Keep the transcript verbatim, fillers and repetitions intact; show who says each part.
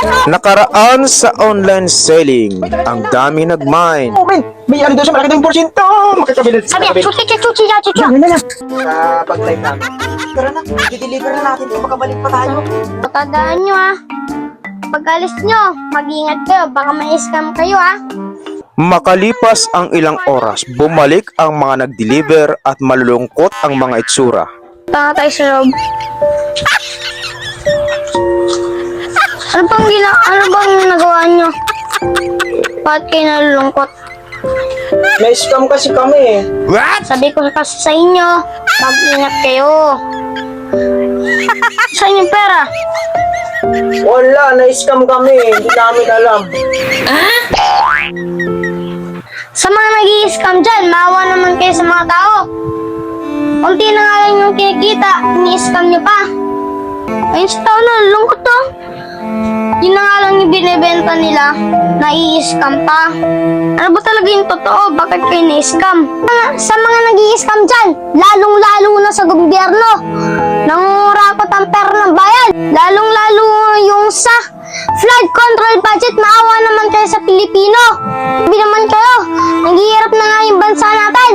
Speaker 1: Nakaraan sa online selling, ang dami nag-mine.
Speaker 2: Oh, men, may ano daw siya, malaki daw yung porsyento. Makikabilit.
Speaker 3: Sabi yan, chuchi, chuchi, chuchi, chuchi.
Speaker 2: Yan, yan, yan. Sa pag-live namin. Tara na, i-deliver na natin ito, makabalik pa tayo.
Speaker 3: Tandaan nyo ah. Pag alis nyo, mag-ingat kayo, baka ma-scam kayo ah.
Speaker 1: Makalipas ang ilang oras, bumalik ang mga nag-deliver at malulungkot ang mga itsura.
Speaker 3: Tanga tayo sa loob. Ano bang gina ano bang nagawa nyo? Bakit kayo nalulungkot?
Speaker 2: May scam kasi kami eh.
Speaker 3: Sabi ko kasi sa inyo, mag-ingat kayo. Saan yung pera?
Speaker 2: Wala, na-scam kami. Hindi namin alam.
Speaker 3: Sa mga nag-i-scam dyan, maawa naman kayo sa mga tao. Unti na nga lang yung kinikita, ni-scam nyo pa. Ayun sa tao na, lungkot to. Yun na nga lang yung binibenta nila, na i-scam pa. Ano ba talaga yung totoo? Bakit kayo ni-scam? Sa mga nag-i-scam dyan, lalong-lalo na sa gobyerno, nangurakot ang pera ng bayan. Lalong-lalo yung sa flood control budget, maawa naman kayo sa Pilipino. Sabi naman kayo, naghihirap na nga yung bansa natin.